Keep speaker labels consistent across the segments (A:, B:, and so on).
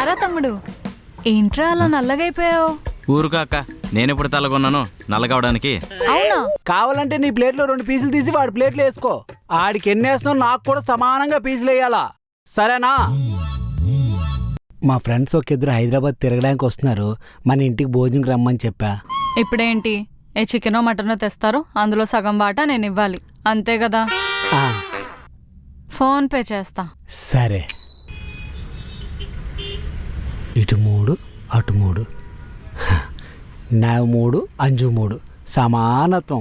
A: రారా తమ్ముడు, ఏంట్రా అలా నల్లగైపోయావు?
B: ఊరుకా అక్క, నేనెప్పుడు తలగొన్నాను నల్లగవడానికి?
A: అవునా?
C: కావాలంటే నీ ప్లేట్లో 2 పీసులు తీసి వాడి ప్లేట్లో వేసుకో. ఆడికి ఎన్ని వేస్తున్నావు నాకు కూడా సమానంగా పీసులు వేయాలా, సరేనా? మా ఫ్రెండ్స్ ఒక ఇద్దరు హైదరాబాద్ తిరగడానికి వస్తున్నారు, మన ఇంటికి భోజనంకి రమ్మని చెప్పా.
A: ఇప్పుడేంటి, ఏ చికెనో మటనో తెస్తారు, అందులో సగం వాటా నేను ఇవ్వాలి, అంతే కదా? ఫోన్ పే చేస్తా.
C: సరే, ఇటు 3 అటు 3, నా 3 అంజు 3, సమానత్వం.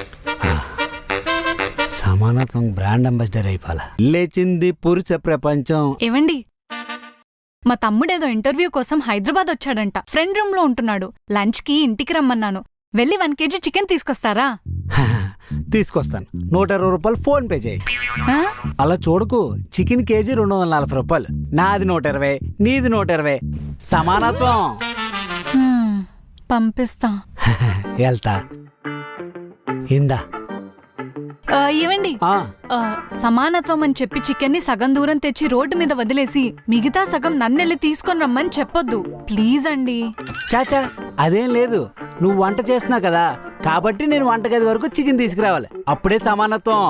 C: సమానత్వం బ్రాండ్ అంబాసిడర్ అయిపోవాలా. లేచింది పురుష ప్రపంచం.
A: ఏవండి, మా తమ్ముడేదో ఇంటర్వ్యూ కోసం హైదరాబాద్ వచ్చాడంట, ఫ్రెండ్ రూమ్ లో ఉంటున్నాడు. లంచ్ కి ఇంటికి రమ్మన్నాను, వెళ్ళి 1 kg చికెన్ తీసుకొస్తారా?
C: తీసుకొస్తాను, 120 రూపాయలు ఫోన్ పే చేయి.
A: ఆ?
C: అలా చూడకు, చికెన్ కేజీ 240 రూపాయలు, నాది 120, నీది 120, సమానత్వం.
A: పంపిస్తా.
C: వెళ్తా. ఇందా.
A: ఏవండి, సమానత్వం అని చెప్పి చికెన్ని సగం దూరం తెచ్చి రోడ్డు మీద వదిలేసి మిగతా సగం నన్నెళ్ళి తీసుకొని రమ్మని చెప్పొద్దు ప్లీజ్ అండి.
C: చాచా, అదేం లేదు, నువ్వు వంట చేస్తున్నావు కదా, కాబట్టి నేను వంటగది వరకు చికెన్ తీసుకురావాలి, అప్పుడే సమానత్వం.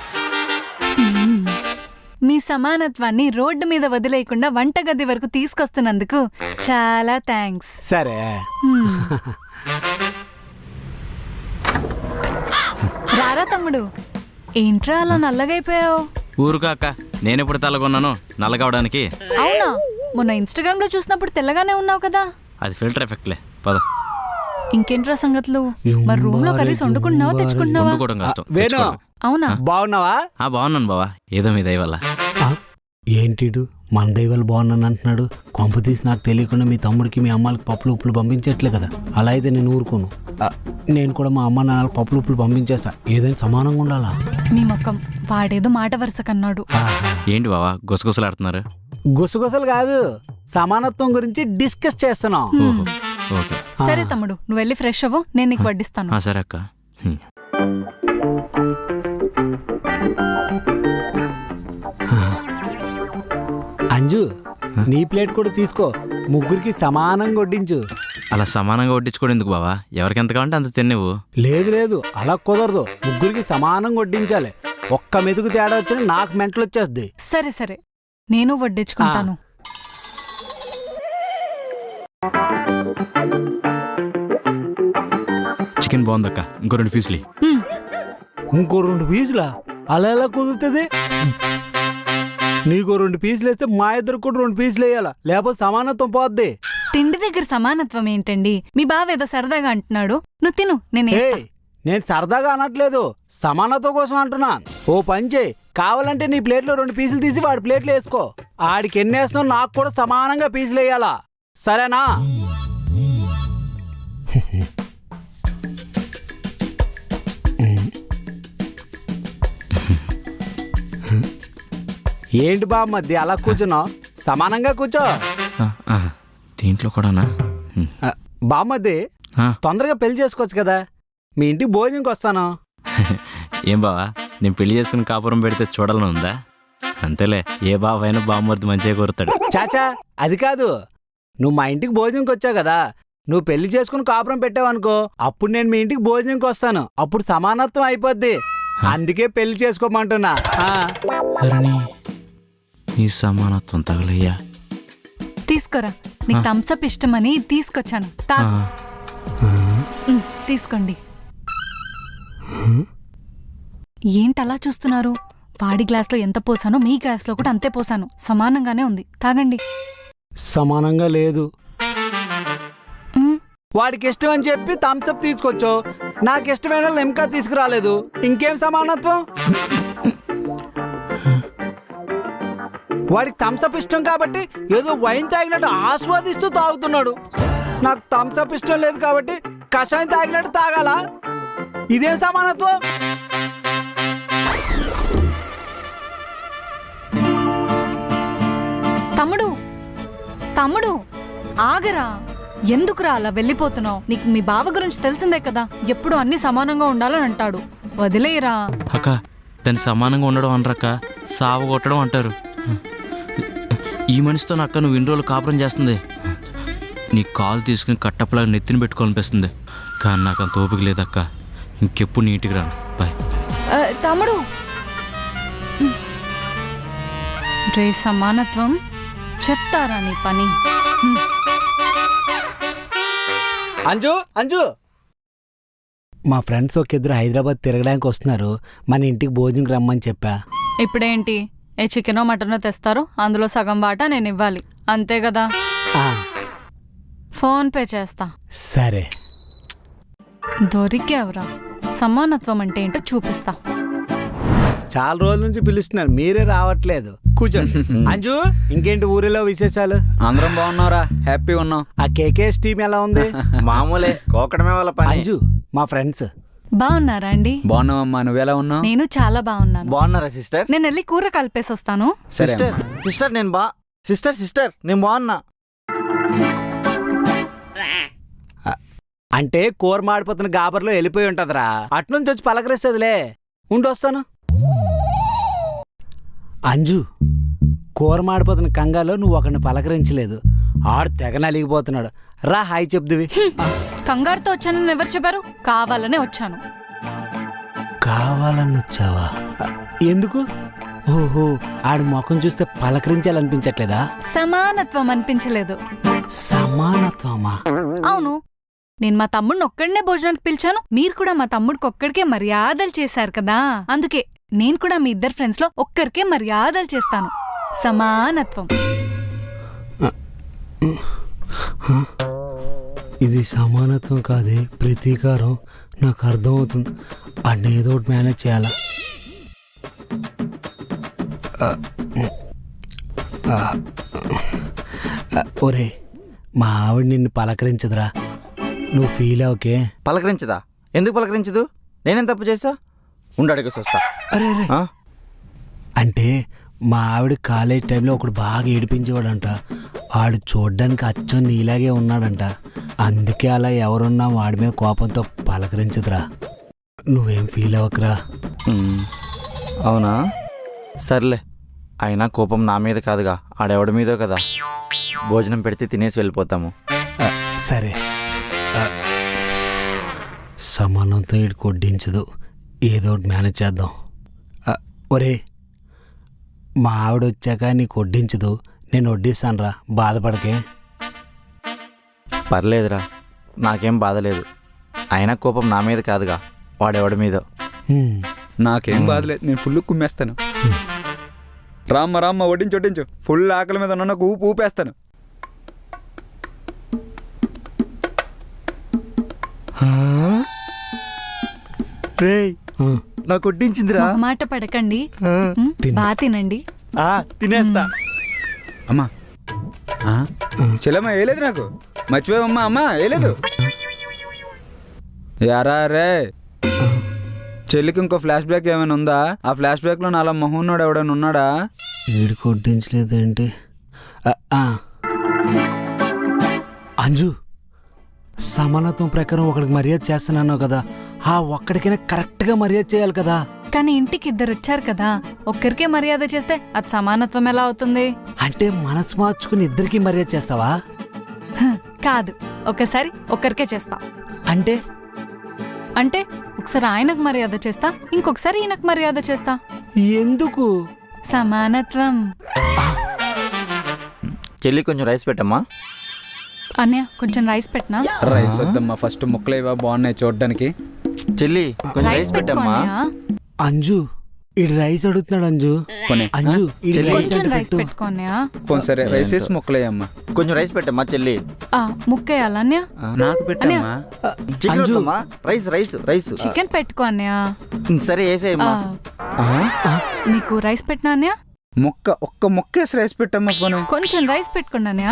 A: మీ సమానత్వాన్ని రోడ్డు మీద వదిలేయకుండా వంటగది వరకు తీసుకొస్తున్నందుకు చాలా థ్యాంక్స్.
C: సరే.
A: రారా తమ్ముడు, ఏంట్రా అలా నల్లగైపోయావు?
B: ఊరుకా అక్క, నేనెప్పుడు తలగొన్నాను నల్లగవడానికి?
A: అవునా? మొన్న ఇన్స్టాగ్రామ్ లో చూసినప్పుడు తెల్లగానే ఉన్నావు కదా.
B: అది ఫిల్టర్ ఎఫెక్ట్లే, పద.
A: ఇంకేంట్రా సంగతులు? మరి రూమ్ లో కర్రీస్ వండుకుంటున్నావా తెచ్చుకుంటున్నావా?
B: వండుకోవడం కష్టం.
C: వేణు,
A: అవునా?
C: బాగున్నావా?
B: బాగున్నాను బావా, ఏదో మీ దయ వల్ల.
C: ఏంటిడు మన దైవాలు బాగున్నాను అంటున్నాడు? కొంప తీసి నాకు తెలియకుండా మీ తమ్ముడికి మీ అమ్మాలకి పప్పులు ఉప్పులు పంపించట్లే కదా. అలా అయితే నేను ఊరుకోను, నేను కూడా మా అమ్మ నాన్నలకు పప్పులు ఉప్పులు పంపించేస్తా, ఏదైనా సమానంగా ఉండాలా.
A: మీ మొక్కం, వాడేదో మాట వరుస కన్నాడు.
B: ఏంటి బావా గుసగుసలాడుతున్నారు?
C: గుసగుసలు కాదు, సమానత్వం గురించి డిస్కస్ చేస్తున్నాం.
B: ఓకే.
A: సరే తమ్ముడు, నువ్వు వెళ్ళి ఫ్రెష్ అవ్వు, నేను నీకు వడ్డిస్తాను.
B: సరే అక్క.
C: అంజు, నీ ప్లేట్ కూడా తీసుకో, ముగ్గురికి సమానంగా వడ్డించు.
B: అలా సమానంగా వడ్డించుకోవడం ఎందుకు బావా, ఎవరికి ఎంత కావాలంటే అంత తినేవు.
C: లేదు లేదు, అలా కుదరదు, ముగ్గురికి సమానంగా వడ్డించాలి. ఒక్క మెతుకు తేడా వచ్చినా నాకు మెంటలు వచ్చేస్తుంది.
A: సరే సరే, నేను వడ్డించుకుంటాను.
B: చికెన్ బాగుందక్క, ఇంకో 2 పీసులు.
C: ఇంకో 2 పీసులా? అలా ఎలా కుదురుతుంది? నీకో 2 పీసులు వేస్తే మా ఇద్దరు కూడా 2 పీసులు వేయాలా, లేకపోతే సమానత్వం పోద్ది.
A: తిండి దగ్గర సమానత్వం ఏంటండి? మీ బావ ఏదో సరదాగా అంటున్నాడు, నువ్వు తిను,
C: నేను సరదాగా అనట్లేదు, సమానత్వం కోసం అంటున్నా. ఓ పని చేయి, కావాలంటే నీ ప్లేట్లో 2 పీసులు తీసి వాడి ప్లేట్లో వేసుకో. ఆడికి ఎన్ని వేస్తున్నావు నాకు కూడా సమానంగా పీసులు వేయాలా, సరేనా? ఏంటి బామ్మద్ది అలా కూర్చున్నావు? సమానంగా కూర్చో.
B: దీంట్లో కూడానా?
C: బామ్మద్ది, తొందరగా పెళ్లి చేసుకోవచ్చు కదా, మీ ఇంటికి భోజనంకి వస్తాను.
B: ఏం బావా, నేను పెళ్లి చేసుకుని కాపురం పెడితే చూడాలని ఉందా? అంతేలే, ఏ బావైనా బామ్మర్ది మంచిగా కోరుతాడు.
C: చాచా, అది కాదు, నువ్వు మా ఇంటికి భోజనంకి వచ్చావు కదా, నువ్వు పెళ్లి చేసుకుని కాపురం పెట్టావనుకో, అప్పుడు నేను మీ ఇంటికి భోజనంకి వస్తాను, అప్పుడు సమానత్వం అయిపోద్ది. అందుకే పెళ్లి చేసుకోమంటున్నా.
B: ఈ సమానత్వం తగలయ్యా.
A: తీసుకోరా, నీకు థమ్సప్ ఇష్టమని తీసుకొచ్చాను, తాగు. తీసుకోండి. ఏంటలా చూస్తున్నారు? వాడి గ్లాస్లో ఎంత పోసానో మీ గ్లాస్లో కూడా అంతే పోసాను, సమానంగానే ఉంది, తాగండి.
C: సమానంగా లేదు. వాడికి ఇష్టం అని చెప్పి థమ్సప్ తీసుకొచ్చు, నాకు ఇష్టమైన లెమ్కా తీసుకురాలేదు, ఇంకేం సమానత్వం? వాడికి థమ్సప్ ఇష్టం కాబట్టి ఏదో వైన్ తాగినట్టు ఆస్వాదిస్తూ తాగుతున్నాడు, నాకు థమ్సప్ ఇష్టం లేదు కాబట్టి కషాయం తాగినట్టు తాగాలా? ఇదేం సమానత్వం?
A: తమ్ముడు తమ్ముడు ఆగరా, ఎందుకురా అలా వెళ్ళిపోతున్నావు? నీకు మీ బావ గురించి తెలిసిందే కదా, ఎప్పుడు అన్ని సమానంగా ఉండాలని అంటాడు, వదిలేయరా.
B: అక్క, దాన్ని సమానంగా ఉండడం అనరక్క, సావు కొట్టడం అంటారు. ఈ మనిషితో నా అక్క నువ్వు ఇన్ని రోజులు కాపురం చేస్తుంది. నీ కాలు తీసుకుని కట్టప్పలాగా నెత్తిని పెట్టుకోవాలనిపిస్తుంది. కానీ నాకు అంత ఓపిక లేదక్క. ఇంకెప్పుడు నీ ఇంటికి రాను. బాయ్.
A: తమ్ముడు రే సమానత్వం చెప్తారా నీ పని?
C: అంజు అంజు, మా ఫ్రెండ్స్ ఒక ఇద్దరు హైదరాబాద్ తిరగడానికి వస్తున్నారు. మన ఇంటికి భోజనంకి రమ్మని చెప్పా.
A: ఇప్పుడేంటి, ఏ చికెనో మటనో తెస్తారు, అందులో సగం వాటా నేను ఇవ్వాలి, అంతే కదా?
C: ఆ,
A: ఫోన్ పే చేస్తా.
C: సరే.
A: దొరికేవరా, సమానత్వం అంటే ఏంటో చూపిస్తా.
C: చాలా రోజుల నుంచి పిలుస్తున్నారు, మీరే రావట్లేదు. కూర్చోండి. అంజు, ఇంకేంటి ఊరిలో విశేషాలు?
D: అందరం బాగున్నారా? హ్యాపీగా ఉన్నాం.
C: ఆ కేకేఎస్ టీం ఎలా ఉంది?
D: మామూలే, కోకడమే వాళ్ళ పని.
C: అంజు మా ఫ్రెండ్స్.
A: బాగున్నారా అండి?
D: బాగున్నావమ్మా, నువ్వెలా ఉన్నావు?
A: నేను చాలా బాగున్నాను.
D: బాగున్నారా సిస్టర్?
A: నేను వెళ్ళి కూర కలిపేసి వస్తాను.
D: సిస్టర్ సిస్టర్ నేను సిస్టర్ నేను బాగున్నా.
C: అంటే కూర మాడిపోతున్న గాబర్లో వెళ్ళిపోయి ఉంటదిరా, అట్నుంచి వచ్చి పలకరిస్తుందిలే. ఉండొస్తాను. అంజు, కూర మాడిపోతున్న కంగాలో నువ్వు ఒకరిని పలకరించలేదు. ఆడు తెగ నలిగిపోతున్నాడు. రా హాయ్ చెప్దువి.
A: కంగారుతో వచ్చానని ఎవరు చెప్పారు? కావాలనే వచ్చాను.
C: కావాలని వచ్చావా? ఎందుకు? ఓహో, ఆడి ముఖం చూస్తే పలకరించాలనిపించట్లేదా?
A: సమానత్వం అనిపించలేదు.
C: సమానత్వమా?
A: అవును, నేను మా తమ్ముడిని ఒక్కడనే భోజనానికి పిలిచాను, మీరు కూడా మా తమ్ముడికి ఒక్కడికే మర్యాదలు చేశారు కదా, అందుకే నేను కూడా మీ ఇద్దరు ఫ్రెండ్స్ లో ఒక్కరికే మర్యాదలు చేస్తాను. సమానత్వం.
C: ఇది సమానత్వం కాదే, ప్రతీకారం. నాకు అర్థమవుతుంది. అన్నీ ఏదో ఒకటి మేనేజ్ చేయాలా. ఒరే, మా ఆవిడ నిన్ను పలకరించదురా, నువ్వు ఫీల్ అవకే.
D: పలకరించదా? ఎందుకు పలకరించదు? నేనేం తప్పు చేసా? ఉండడిగేసి వస్తా.
C: అరే అరే,
D: ఆ?
C: అంటే మా ఆవిడ కాలేజ్ టైంలో ఒకడు బాగా ఏడిపించేవాడంట. వాడు చూడ్డానికి అచ్చం నీలాగే ఉన్నాడంట. అందుకే అలా ఎవరున్నా వాడి మీద కోపంతో పలకరించదురా. నువ్వేం ఫీల్ అవ్వకరా.
D: అవునా? సర్లే, అయినా కోపం నా మీద కాదుగా, ఆడెవడి మీదో కదా. భోజనం పెడితే తినేసి వెళ్ళిపోతాము.
C: సరే. సమానంతో ఇటు కొడ్డించదు, ఏదో ఒకటి మేనేజ్ చేద్దాం. ఒరే, మా ఆవిడ వచ్చాక నీకు వడ్డించదు, నేను వడ్డిస్తానురా, బాధపడకే.
D: పర్లేదురా, నాకేం బాధలేదు. అయినా కోపం నా మీద కాదుగా, వాడెవడి మీదో.
E: నాకేం బాధలేదు, నేను ఫుల్ కుమ్మేస్తాను. రామ్మ వడ్డించు, ఫుల్ ఆకలి మీద ఉన్న ఊపు ఊపేస్తాను.
D: రేయ్, నాకు వడ్డించిందిరా.
A: మాట పడకండి, బా తినండి.
D: తినేస్తా.
E: అమ్మా చెల్లమ్మ వేయలేదు, నాకు మర్చిపోయావమ్మా. అమ్మా వేయలేదు. యారా రే, చెల్లికి ఇంకో ఫ్లాష్ బ్యాక్ ఏమైనా ఉందా? ఆ ఫ్లాష్ బ్యాక్లో నాలా మొహన్నాడు ఎవడైనా ఉన్నాడా?
C: వీడికి వడ్డించలేదేంటి? అంజు, సమానత్వం ప్రకారం ఒకడికి మర్యాద చేస్తున్నాను కదా, ఆ ఒక్కడికైనా కరెక్ట్గా మర్యాద చేయాలి కదా.
A: కానీ ఇంటికి ఇద్దరు వచ్చారు కదా, ఒక్కరికే మర్యాద చేస్తే అది సమానత్వం ఎలా అవుతుంది?
C: అంటే మనసు మార్చుకుని ఇద్దరికి మర్యాద చేస్తావా?
A: కాదు, ఒకసారి ఒక్కరికే చేస్తా.
C: అంటే
A: అంటే ఒకసారి ఆయనకు మర్యాద చేస్తా, ఇంకొకసారి ఈయనకు మర్యాద చేస్తా.
C: ఎందుకు?
A: సమానత్వం.
D: చెల్లి కొంచెం రైస్ పెట్టమ్మా.
A: అన్నయ్య కొంచెం రైస్ పెట్టనా?
E: రైస్ వద్దమ్మా, ఫస్ట్ ముక్కలు ఇవా బాగున్నాయి చూడడానికి.
D: చెల్లి కొంచెం
A: రైస్
D: రైస్
A: పెట్టుకో
D: పెట్టమ్మా.
A: అన్నయ్య.
C: అంజు, ఇడు రైస్ అడుగుతున్నాడు. అంజు
E: కొనే
C: అంజు, ఈడు రైస్
A: కొంచెం
C: అంటే
A: రైస్
C: పెట్టు.
A: పెట్టుకో అన్నయ్య.
E: సరే రైస్ వేసి ముక్కలు వేయమ్మా.
D: కొంచెం రైస్ పెట్టమ్మా చెల్లి.
A: ముక్కేయాలా అన్నయ్య?
E: నాకు పెట్టమ్మా.
D: చికెన్
C: అంజు.
D: వద్దమ్మా, రైస్ రైస్ రైస్.
A: చికెన్ పెట్టుకో అన్నయ్య.
D: సరే వేసేయమ్మా.
A: మీకు రైస్ పెట్టినా అన్నయ్య?
E: ఒక్క ముక్క వేసి రైస్ పెట్టమ్మా. పోనీ
A: కొంచెం రైస్ పెట్టుకోండి అన్నయ్య.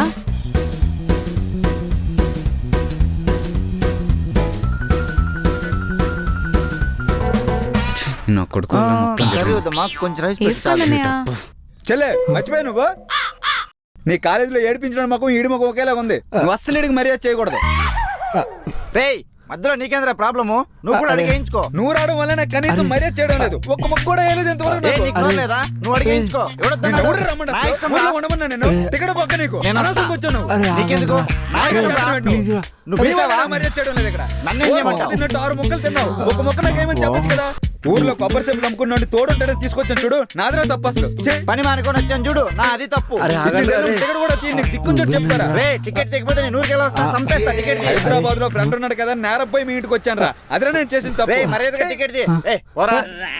E: నా కొడుకు
D: కర్రీ వద్దమ్మా, కొంచెం రైస్ పెట్టి
A: వేసుకోండి
D: చాలు.
A: అన్నయ్య.
E: చెల్లె మర్చిపోయా నువ్వు. నీ కాలేజీలో ఏడిపించడం మొక్కం ఈడి మొక్కం ఒకేలాగా ఉంది. నువ్వు అస్సలు ఈడికి మర్యాద చేయకూడదు.
D: రేయ్, మధ్యలో నీకేంద్రా ప్రాబ్లము? నువ్వు కూడా అడిగేయించుకో.
E: నువ్వు రావడం వల్ల నాకు కనీసం మర్యాద చేయడం లేదు. ఒక్క మొక్క కూడా వేయలేదు ఇంతవరకు
D: ఏ,
E: నాకు.
D: నీకు నోరు లేదా? నువ్వు అడిగేయించుకో.
E: నిన్ను ఎవరు రమ్మన్నా?
D: నా ఇష్టం రా.
E: ఊర్లో ఉండమన్నా నేను? టికెట్ పక్క నీకు.
D: నేను
E: అనవసరంగా వచ్చావు నువ్వు.
C: అరే,
D: నీకెందుకు? నా ఇష్టం రా.
C: ప్లీజ్ రా.
D: నువ్వు
E: నీ వల్ల
D: పిలిచావా?
E: నా మర్యాద చేయడం లేదు ఇక్కడ.
D: నన్నేం చేయమంటావు?
E: తిన్నట్టు 6 ముక్కలు తిన్నావు. ఒక మొక్క నాకేమని చెప్పొచ్చు కదా. ఊర్లో కొబ్బరి సేపులు అమ్ముకున్నాడు తోడుంటాడని తీసుకొచ్చాను చూడు. నాదరా తప్పు అసలు. ఛే!
D: పని మానుకొని వచ్చాను చూడు, నా అది తప్పు.
C: అరే, ఆగండి, అరే.
E: టికెట్ కూడా తీయండి. నీకు దిక్కు చూడు చెప్తారా?
D: రే, టికెట్ తెగిపోతే నేను ఊరికి వెళ్ళి వస్తా, సంపేస్తా టికెట్ తీ.
E: హైదరాబాద్ లో ఫ్రెండ్ ఉన్నాడు కదా, నేరపోయి మీ ఇంటికి వచ్చాను రా. అదిరా నేను చేసిన
D: రే,
E: తప్పు.
D: మర్యాదగా టికెట్ తీ. ఏ, పోరా.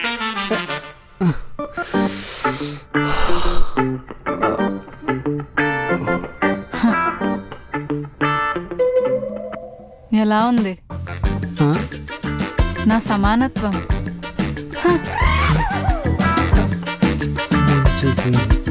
A: ఎలా ఉంది
C: ఆ?
A: నా సమానత్వం?
C: వచ్చేసింది.